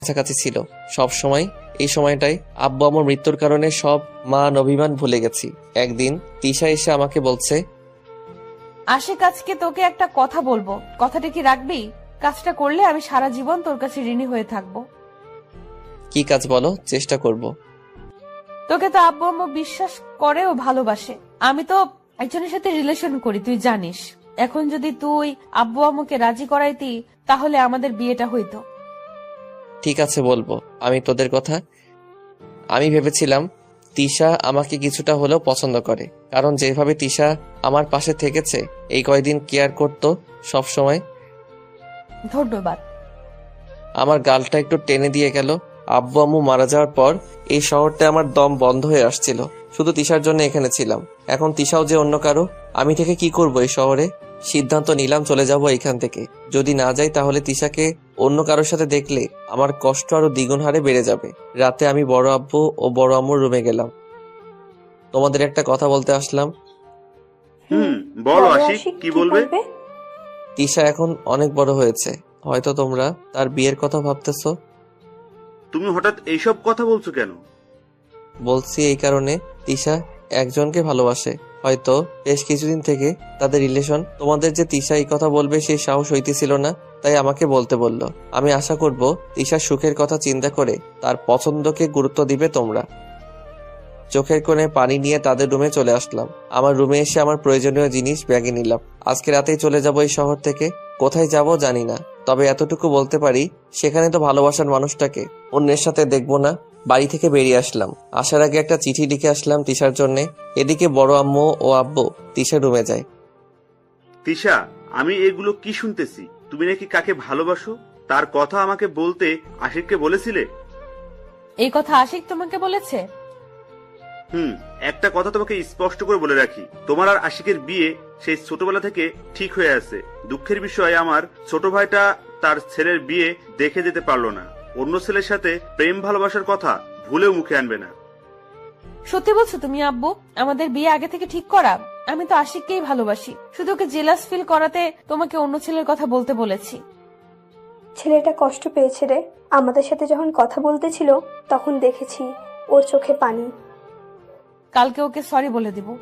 কাছাকাছি ছিল সব সময়। এই সময়টায় আব্বু আমার মৃত্যুর কারণে সব মান অভিমান ভুলে গেছি। একদিন তিশা এসে আমাকে বলছে, আশিক, আজকে তোকে একটা কথা বলবো, কথাটা কি রাখবি? কাজটা করলে আমি সারা জীবন তোর কাছে ঋণী হয়ে থাকবো। কি কাজ বলো, চেষ্টা করব। তোকে তো আব্বু আম্মু বিশ্বাস করে ও ভালোবাসে। আমি তো একজনের সাথে রিলেশন করি, তুই জানিস। এখন যদি তুই আব্বু আম্মুকে রাজি করাইতি, তাহলে আমাদের বিয়েটা হইতো। ঠিক আছে, বলবো। আমি তোদের কথা। আমি ভেবেছিলাম তিশা আমাকে কিছুটা হলেও পছন্দ করে, কারণ যেভাবে তিশা আমার পাশে থেকেছে এই কয়দিন, কেয়ার করতো সব সময়। ধন্যবাদ। আমার গালটা একটু টেনে দিয়ে গেল। আব্বু আম্মু মারা যাওয়ার পর এই শহরটা আমার দম বন্ধ হয়ে আসছিল। শুধু তিশার জন্য এখানে ছিলাম। এখন তিশাও যে অন্য কারো, আমি থেকে কি করব এই শহরে? সিদ্ধান্ত নিলাম চলে যাব এখান থেকে। যদি না যাই তাহলে তিশাকে অন্য কারোর সাথে দেখলে আমার কষ্ট আরো দ্বিগুণ হারে বেড়ে যাবে। রাতে আমি বড় আব্বু ও বড় আম্মুর রুমে গেলাম। তোমাদের একটা কথা বলতে আসলাম। বলো আশিক, কি বলবে? তিশা এখন অনেক বড় হয়েছে। হয়তো তোমরা তার বিয়ের কথা ভাবতেছো। তুমি হঠাৎ এইসব কথা বলছো কেন? বলছি এই কারণে, তিশা একজনকে ভালোবাসে। হয়তো বেশ কিছুদিন থেকে তাদের রিলেশন। তোমাদের যে তিশা এই কথা বলবে সেই সাহস হইতেছিল না, তাই আমাকে বলতে বলল। আমি আশা করব তিশার সুখের কথা চিন্তা করে তার পছন্দকে গুরুত্ব দিবে তোমরা। চোখের কোণে পানি নিয়ে তাদের রুমে চলে আসলাম। আমার রুমে এসে আমার প্রয়োজনীয় জিনিস ব্যাগে নিলাম। আজকে রাতেই চলে যাব এই শহর থেকে। কোথায় যাব জানি না, তবে এতটুকু বলতে পারি সেখানে তো ভালোবাসার মানুষটাকে অন্যের সাথে দেখবো না। বাড়ি থেকে বেরিয়ে আসলাম। আসার আগে একটা চিঠি লিখে আসলাম তিশার জন্য। এদিকে বড় আম্মু ও আব্বু তিশার রুমে যায়। তিশা, আমি এগুলো কি শুনতেছি? তুমি নাকি কাকে ভালোবাসো তার কথা আমাকে বলতে আশিককে বলেছিলে? এই কথা আশিক তোমাকে বলেছে? একটা কথা তোমাকে স্পষ্ট করে বলে রাখি, তোমার আর আশিকের বিয়ে সেই ছোটবেলা থেকে ঠিক হয়ে আছে। দুঃখের বিষয়, আমার ছোট ভাইটা তার ছেলের বিয়ে দেখে যেতে পারলো না। অন্য ছেলের সাথে প্রেম ভালোবাসার কথা ভুলেও মুখে আনবে না। সত্যি বলছো তুমি আব্বু? আমাদের বিয়ে আগে থেকে ঠিক করা? আমি তো আশিককেই ভালোবাসি, শুধু ওকে জেলাস ফিল করাতে তোমাকে অন্য ছেলের কথা বলতে বলেছি। ছেলেটা কষ্ট পেয়েছে রে। আমাদের সাথে যখন কথা বলতেছিল তখন দেখেছি ওর চোখে পানি। কালকে ওকে সরি বলে দিব।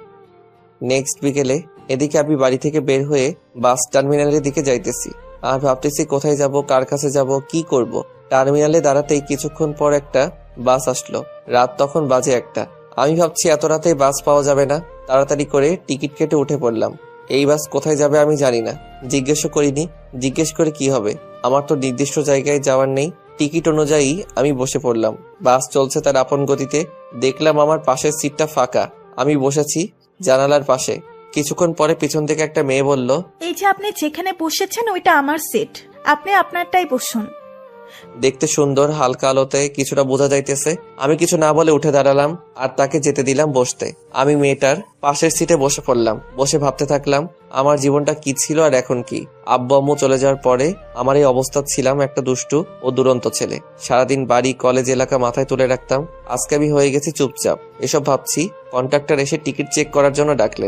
নেক্সট বিকেলে এদিকে আমি বাড়ি থেকে বের হয়ে বাস টার্মিনালের দিকে যাইতেছি। আর ভাবতেছি কোথায় যাব, কার কাছে যাব, কি করব। টার্মিনালে দাঁড়াতেই কিছুক্ষণ পর একটা বাস আসলো। রাত তখন বাজে 1টা। আমি ভাবছি এত রাতে বাস পাওয়া যাবে না। তাড়াতাড়ি করে টিকিট কেটে উঠে পড়লাম। এই বাস কোথায় যাবে আমি জানি না, জিজ্ঞেসও করিনি। জিজ্ঞেস করে কি হবে, আমার তো নির্দিষ্ট জায়গায় যাওয়ার নেই। টিকিট অনুযায়ী আমি বসে পড়লাম। বাস চলছে তার আপন গতিতে। দেখলাম আমার পাশের সিটটা ফাঁকা। আমি বসেছি জানালার পাশে। কিছুক্ষণ পরে পিছন থেকে একটা মেয়ে বলল, এই যে আপনি যেখানে বসেছেন ওইটা আমার সিট, আপনি আপনারটাই বসুন। দেখতে সুন্দর, হালকা আলোতে কিছুটা বোঝা যাইতেছে। আমি কিছু না বলে উঠে দাঁড়ালাম আর তাকে যেতে দিলাম বসতে। আমি মেয়েটার পাশের সিটে বসে পড়লাম। বসে ভাবতে থাকলাম আমার জীবনটা কি ছিল আর এখন কি। আব্বু আম্মু চলে যাওয়ার পরে আমার এই অবস্থা, ছিলাম একটা দুষ্টু ও দুরন্ত ছেলে। সারাদিন বাড়ি, কলেজ, এলাকা মাথায় তুলে রাখতাম। আজকে আমি হয়ে গেছি চুপচাপ। এসব ভাবছি, কন্ট্রাক্টর এসে টিকিট চেক করার জন্য ডাকলেন।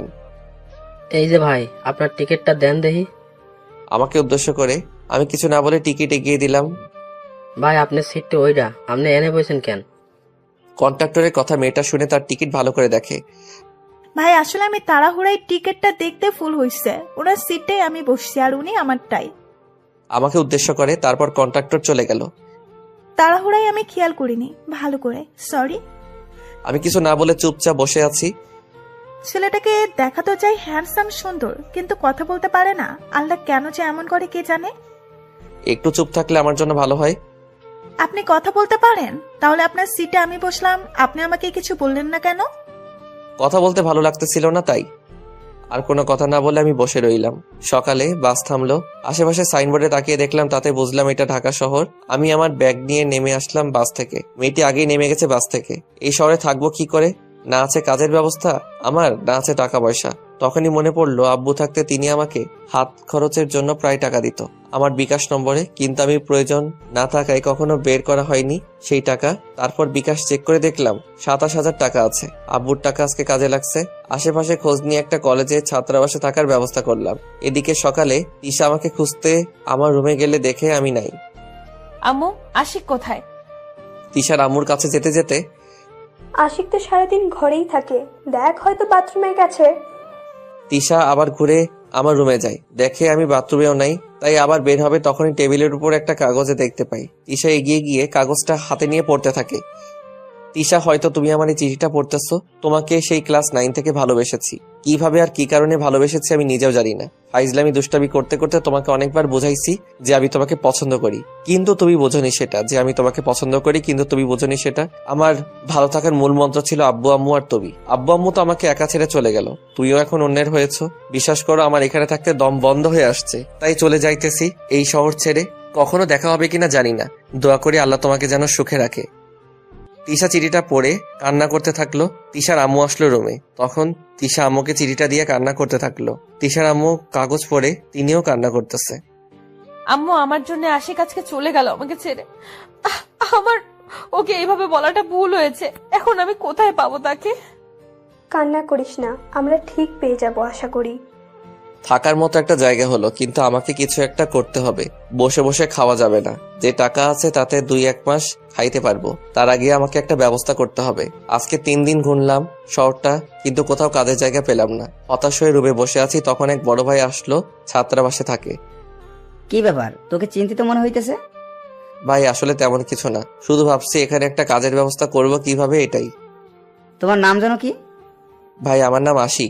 এই যে ভাই, আপনার টিকিটটা দেন দেখি। আমাকে উদ্দেশ্য করে আমি কিছু না বলে টিকিট এগিয়ে দিলাম। ভাই, আপনার সিটটা ওইটা, আপনি এনে বসেন কেন? কন্ট্রাক্টরের কথা মেয়েটা শুনে তার টিকিট ভালো করে দেখে। ভাই, আসলে আমি তাড়াহুড়ায় টিকিটটা দেখতে ফুল হইছে, ওনার সিটে আমি বসছি আর উনি আমারটাই। আমাকে উদ্দেশ্য করে তারপর কন্ট্রাক্টর চলে গেল। তাড়াহুড়ায় আমি খেয়াল করিনি, ভালো করে সরি। আমি কিছু না বলে চুপচাপ বসে আছি। ছেলেটাকে দেখা তো চাই হ্যান্ডসাম, সুন্দর, কিন্তু কথা বলতে পারে না। আল্লাহ কেন যে এমন করে কে জানে। একটু চুপ থাকলে আমার জন্য ভালো হয়। আপনি কথা বলতে পারেন, তাহলে আপনার সিটে আমি বসলাম, আপনি আমাকে কিছু বললেন না কেন? কথা বলতে ভালো লাগতেছিল না, তাই। আর কোনো কথা না বলে আমি বসে রইলাম। সকালে বাস থামলো। আশেপাশে সাইনবোর্ডে তাকিয়ে দেখলাম, তাতে বুঝলাম এটা ঢাকা শহর। আমি আমার ব্যাগ নিয়ে নেমে আসলাম বাস থেকে। মেয়েটি আগেই নেমে গেছে বাস থেকে। এই শহরে থাকবো কি করে? না আছে কাজের ব্যবস্থা আমার, না আছে টাকা পয়সা। তখনই মনে পড়লো আব্বু থাকতে তিনি আমাকে হাত খরচের জন্য প্রায় টাকা দিত আমার বিকাশ নম্বরে, কিন্তু আমি প্রয়োজন না থাকায় কখনো বের করা হয়নি সেই টাকা। তারপর বিকাশ চেক করে দেখলাম 27,000 টাকা আছে। আব্বুর টাকা আজকে কাজে লাগছে। আশেপাশে খোঁজ নিয়ে একটা কলেজে ছাত্রাবাসে থাকার ব্যবস্থা করলাম। এদিকে সকালে তিশা আমাকে খুঁজতে আমার রুমে গেলে দেখে আমি নাই। আম্মু, আশিক কোথায়? তিশার আম্মুর কাছে যেতে যেতে আশিক তো সারাদিন ঘরেই থাকে, দেখ হয়তো বাথরুমে গেছে। তিশা আবার ঘুরে আমার রুমে যায়, দেখে আমি বাথরুমেও নাই, তাই আবার বের হবে তখনই টেবিলের উপর একটা কাগজে দেখতে পাই। তিশা এগিয়ে গিয়ে কাগজটা হাতে নিয়ে পড়তে থাকে। তিশা, হয়তো তুমি আমার এই চিঠিটা পড়তেছো। তোমাকে সেই ক্লাস 9 থেকে ভালোবেসেছি। কিভাবে আর কি কারণে ভালোবেসেছি আমি নিজেও জানি না। ফাইজলামি দুষ্টামি করতে করতে তোমাকে অনেকবার বোঝাইছি যে আমি তোমাকে পছন্দ করি, কিন্তু তুমি বোঝনি সেটা যে আমি তোমাকে পছন্দ করি, কিন্তু তুমি বোঝনি সেটা। আমার ভালো থাকার মূল মন্ত্র ছিল আব্বু আম্মু আর তুমি। আব্বু আম্মু তো আমাকে একা ছেড়ে চলে গেল, তুইও এখন অন্যের হয়েছো। বিশ্বাস করো, আমার এখানে থাকতে দম বন্ধ হয়ে আসছে, তাই চলে যাইতেছি এই শহর ছেড়ে। কখনো দেখা হবে কিনা জানি না, দোয়া করি আল্লাহ তোমাকে যেন সুখে রাখে। তিশা চিঠিটা পড়ে কান্না করতে থাকলো। তিশার আম্মু আসলো রুমে, তখন তিশা আম্মুকে চিঠিটা দিয়ে কান্না করতে থাকলো। তিশার আম্মু কাগজ পড়ে তিনিও কান্না করতেছে। আম্মু, আমার জন্য আশিক আজকে চলে গেল আমাকে ছেড়ে। আমার ওকে এইভাবে বলাটা ভুল হয়েছে। এখন আমি কোথায় পাবো তাকে? কান্না করিস না, আমরা ঠিক পেয়ে যাব আশা করি। থাকার মতো একটা জায়গা হলো, কিন্তু আমাকে কিছু একটা করতে হবে। বসে বসে খাওয়া যাবে না। যে টাকা আছে তাতে 2-1 মাস খাইতে পারবো, তার আগে আমাকে একটা ব্যবস্থা করতে হবে। আজকে 3 দিন ঘুরলাম শহরটা, কিন্তু কোথাও কাজের জায়গা পেলাম না। হতাশ হয়ে রুমে বসে আছি, তখন এক বড় ভাই আসলো, ছাত্রাবাসে থাকে। কি ব্যাপার, তোকে চিন্তিত মনে হইতেছে? ভাই আসলে তেমন কিছু না, শুধু ভাবছি এখানে একটা কাজের ব্যবস্থা করব কিভাবে, এটাই। তোমার নাম যেন কি? ভাই আমার নাম আশিক।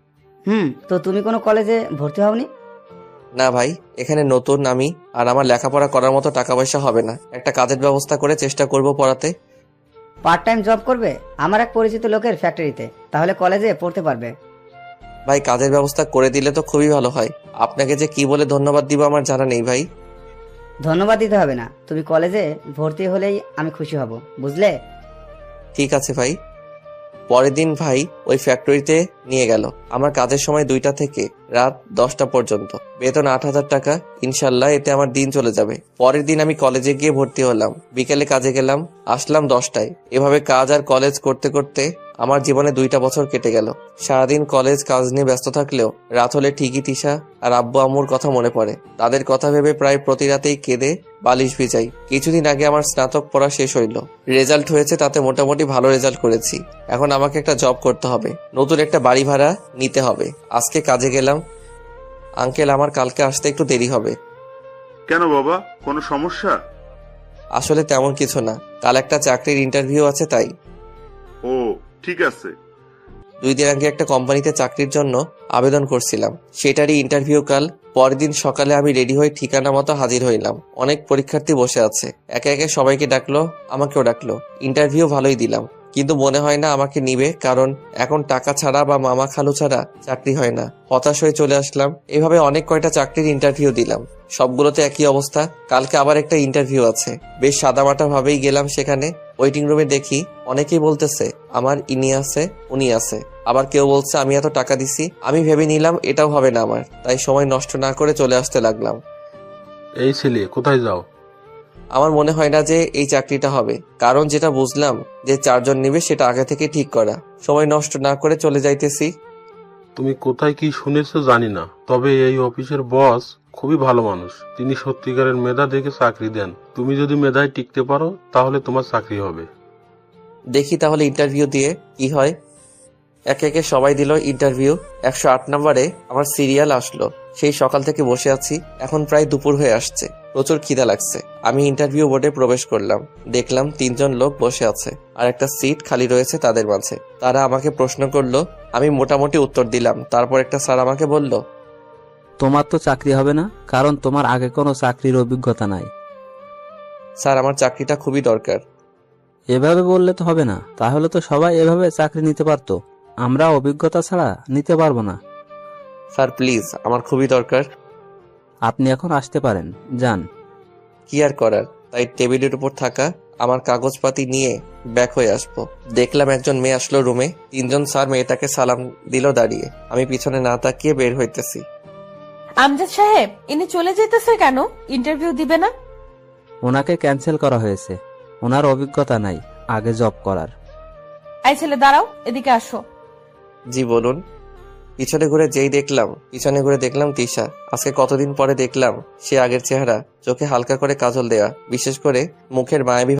তো তুমি কোনো কলেজে ভর্তি হওনি? না ভাই, এখানে নতুন আমি, আর আমার লেখাপড়া করার মতো টাকা পয়সা হবে না। একটা কাজের ব্যবস্থা করে চেষ্টা করব পড়াতে। পার্ট টাইম জব করবে আমার এক পরিচিত লোকের ফ্যাক্টরিতে, তাহলে কলেজে পড়তে পারবে। ভাই কাজের ব্যবস্থা করে দিলে তো খুবই ভালো হয়। আপনাকে যে কি বলে ধন্যবাদ দিব আমার জানা নেই ভাই। ধন্যবাদ দিতে হবে না, তুমি কলেজে ভর্তি হলেই আমি খুশি হব, বুঝলে? ঠিক আছে ভাই। পরের দিন ভাই ওই ফ্যাক্টরিতে নিয়ে গেল। আমার কাজের সময় 2টা থেকে রাত 10টা পর্যন্ত, বেতন 8,000 টাকা। ইনশাল্লাহ এতে আমার দিন চলে যাবে। পরের দিন আমি কলেজে গিয়ে ভর্তি হলাম, বিকেলে কাজে গেলাম, আসলাম 10টায়। এভাবে কাজ আর কলেজ করতে করতে আমার জীবনে 2টা বছর কেটে গেল। সারাদিন কলেজ কাজ নিয়ে ব্যস্ত থাকলেও রাত হলে ঠিকই তিশা আর আব্বু আম্মুর কথা মনে পড়ে। তাদের কথা ভেবে প্রায় প্রতি রাতেই কেঁদে বালিশ ভিজাই। কিছুদিন আগে আমার স্নাতক পড়া শেষ হইল, রেজাল্ট হয়েছে, তাতে মোটামুটি ভালো রেজাল্ট করেছি। এখন আমাকে একটা জব করতে হবে, নতুন একটা বাড়ি ভাড়া নিতে হবে। আজকে কাজে গেলাম। আঙ্কেল, আমার কালকে আসতে একটু দেরি হবে। কেন বাবা, কোনো সমস্যা? আসলে তেমন কিছু না, কাল একটা চাকরির ইন্টারভিউ আছে তাই। ও ঠিক আছে। 2 দিন আগে একটা কোম্পানিতে চাকরির জন্য আবেদন করছিলাম, সেটারই ইন্টারভিউ কাল। পরের দিন সকালে আমি রেডি হয়ে ঠিকানা মতো হাজির হইলাম। অনেক পরীক্ষার্থী বসে আছে, একে একে সবাইকে ডাকলো, আমাকেও ডাকলো। ইন্টারভিউ ভালোই দিলাম, কিন্তু মনে হয় না আমাকে নিবে, কারণ এখন টাকা ছাড়া বা মামা খালু ছাড়া চাকরি হয় না। হতাশ হয়ে চলে আসলাম। এভাবে অনেক কয়টা চাকরির ইন্টারভিউ দিলাম, সবগুলোতে একই অবস্থা। কালকে আবার একটা ইন্টারভিউ আছে, বেশ সাদামাটা ভাবেই গেলাম সেখানে। ওয়েটিং রুমে দেখি অনেকেই বলতেছে আমার ইনি আছে উনি আছে, আবার কেউ বলছে আমি এত টাকা দিছি। আমি ভেবে নিলাম এটাও হবে না আমার, তাই সময় নষ্ট না করে চলে আসতে লাগলাম। এই ছেলে কোথায় যাও? আমার মনে হয় না যে এই চাকরিটা হবে, কারণ যেটা বুঝলাম যে 4 জন নিবে সেটা আগে থেকে ঠিক করা। সময় নষ্ট না করে চলে যাইতেছি। তুমি কোথায় কি শুনেছো জানি না, তবে এই অফিসের বস খুবই ভালো মানুষ। তিনি সত্যিকারের মেধা দেখে চাকরি দেন। তুমি যদি মেধায় টিকতে পারো তাহলে তোমার চাকরি হবে। দেখি তাহলে ইন্টারভিউ দিয়ে কি হয়। একে একে সবাই দিল ইন্টারভিউ। 108 নম্বরে আমার সিরিয়াল আসলো। সেই সকাল থেকে বসে আছি, এখন প্রায় দুপুর হয়ে আসছে, প্রচুর খিদা লাগছে। আমি ইন্টারভিউ বোর্ডে প্রবেশ করলাম, দেখলাম 3 জন লোক বসে আছে আর একটা সিট খালি রয়েছে তাদের মাঝে। তারা আমাকে প্রশ্ন করলো, আমি মোটামুটি উত্তর দিলাম। তারপর একটা স্যার আমাকে বলল, তোমার তো চাকরি হবে না, কারণ তোমার আগে কোনো চাকরির অভিজ্ঞতা নাই। স্যার আমার চাকরিটা খুবই দরকার। এভাবে বললে তো হবে না, তাহলে তো সবাই এভাবে চাকরি নিতে পারতো। আমরা অভিজ্ঞতা ছাড়া নিতে পারবো না। স্যার প্লিজ, আমার খুবই দরকার। আপনি এখন আসতে পারেন, যান। কি আর করার, তাই টেবিলের উপর থাকা আমার কাগজপাতি নিয়ে ব্যাক হয়ে আসবো। দেখলাম একজন মেয়ে আসলো রুমে। 3 জন স্যার মেয়েটাকে সালাম দিল দাঁড়িয়ে। আমি পিছনে না তাকিয়ে বের হইতেছি। আমজাদ সাহেব, ইনি চলে যেতেছে কেন? ইন্টারভিউ দিবে না? ওনাকে ক্যান্সেল করা হয়েছে, ওনার অভিজ্ঞতা নাই আগে জব করার। এই ছেলে দাঁড়াও, এদিকে আসো। জি বলুন। পিছনে ঘুরে দেখলাম তিশা। আজকে কতদিন পরে দেখলাম সে আগের চেহারা, চোখে হালকা করে কাজল দেয়া, বিশেষ করে মুখের মায়াবী